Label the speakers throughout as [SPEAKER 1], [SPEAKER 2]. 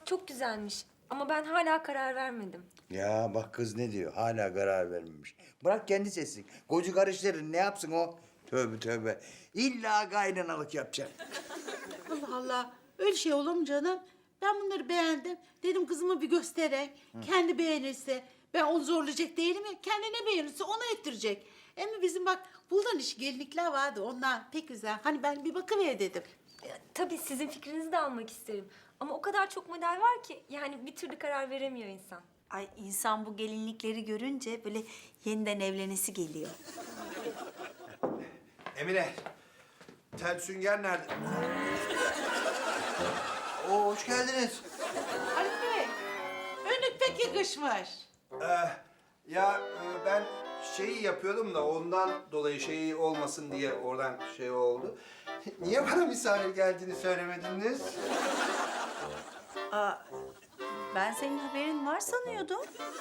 [SPEAKER 1] çok güzelmiş. Ama ben hala karar vermedim.
[SPEAKER 2] Ya bak kız ne diyor? Hala karar vermemiş. Bırak kendi seçsin. Koca karıştırır ne yapsın o? Tövbe tövbe. İlla kaynanalık yapacak.
[SPEAKER 3] Allah Allah. Öyle şey olur mu canım? Ben bunları beğendim. Dedim kızıma bir göstereyim. Kendi beğenirse ben onu zorlayacak değilim ya. Kendine beğenirse onu ettirecek. Ama bizim bak buldan iş gelinlikler vardı. Onlar pek güzel. Hani ben bir bakıver dedim.
[SPEAKER 1] Tabii sizin fikrinizi de almak isterim. Ama o kadar çok model var ki yani bir türlü karar veremiyor insan.
[SPEAKER 4] Ay insan bu gelinlikleri görünce böyle yeniden evlenesi geliyor.
[SPEAKER 5] Emine, tel sünger nerede? Oo, hoş geldiniz.
[SPEAKER 3] Haluk Bey, önlük pek yakışmış.
[SPEAKER 5] Ben şeyi yapıyordum da ondan dolayı şey olmasın diye oradan şey oldu. Niye bana misafir geldiğini söylemediniz?
[SPEAKER 4] Ben senin haberin var sanıyordum.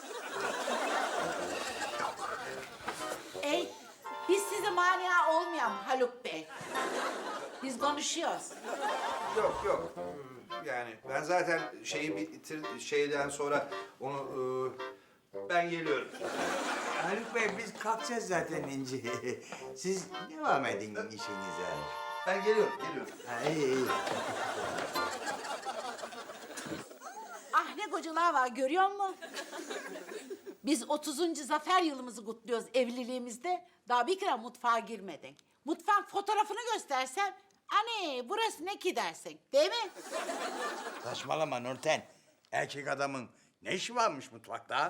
[SPEAKER 3] Ey, biz size mania olmayalım Haluk Bey. Biz konuşuyoruz.
[SPEAKER 5] Yok. Yani ben zaten şeyden sonra onu ben geliyorum.
[SPEAKER 2] Haluk Bey biz kalkacağız zaten İnci. Siz devam edin işinize.
[SPEAKER 5] Ben geliyorum.
[SPEAKER 2] Ha, iyi.
[SPEAKER 3] Ah ne kocalar var görüyor musun? Biz 30. zafer yılımızı kutluyoruz evliliğimizde. Daha bir kere mutfağa girmedin. Mutfak fotoğrafını göstersem, anne burası ne ki dersin, değil mi?
[SPEAKER 2] Saçmalama Nurten. Erkek adamın ne işi varmış mutfakta?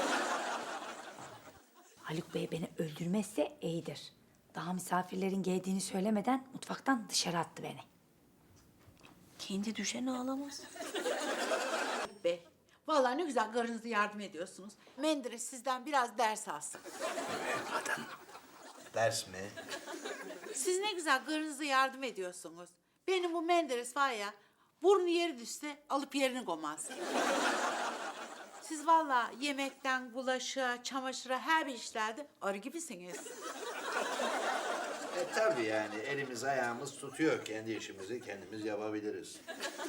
[SPEAKER 6] Haluk Bey beni öldürmezse iyidir. Daha misafirlerin geldiğini söylemeden mutfaktan dışarı attı beni.
[SPEAKER 4] Kendi düşen ağlamaz.
[SPEAKER 3] Be, vallahi ne güzel karınıza yardım ediyorsunuz. Menderes sizden biraz ders alsın.
[SPEAKER 5] Ders mi?
[SPEAKER 3] Siz ne güzel karınıza yardım ediyorsunuz. Benim bu Menderes var ya, burnu yeri düşse alıp yerini koymaz. Siz vallahi yemekten bulaşığa, çamaşıra her bir işlerde arı gibisiniz.
[SPEAKER 5] Tabii yani elimiz ayağımız tutuyor. Kendi işimizi kendimiz yapabiliriz.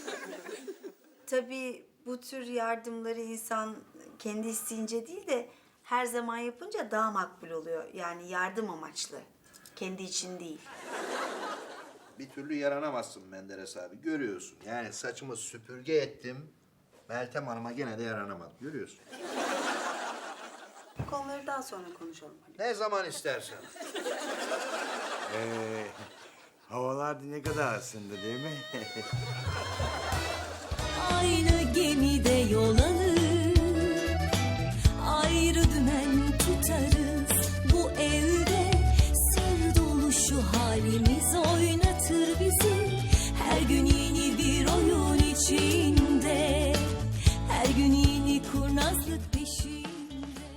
[SPEAKER 4] Tabii bu tür yardımları insan kendi isteyince değil de her zaman yapınca daha makbul oluyor. Yani yardım amaçlı. Kendi için değil.
[SPEAKER 5] Bir türlü yaranamazsın Menderes abi. Görüyorsun. Yani saçımı süpürge ettim. Meltem Hanım'a gene de yaranamadım. Görüyorsun.
[SPEAKER 4] Bu konuları daha sonra konuşalım.
[SPEAKER 5] Ne zaman istersen.
[SPEAKER 2] Havalar ne kadar ısındı değil mi?
[SPEAKER 7] Aynı gemide yol alır, ayrı dümen tutarız. Bu evde sır dolu şu halimiz.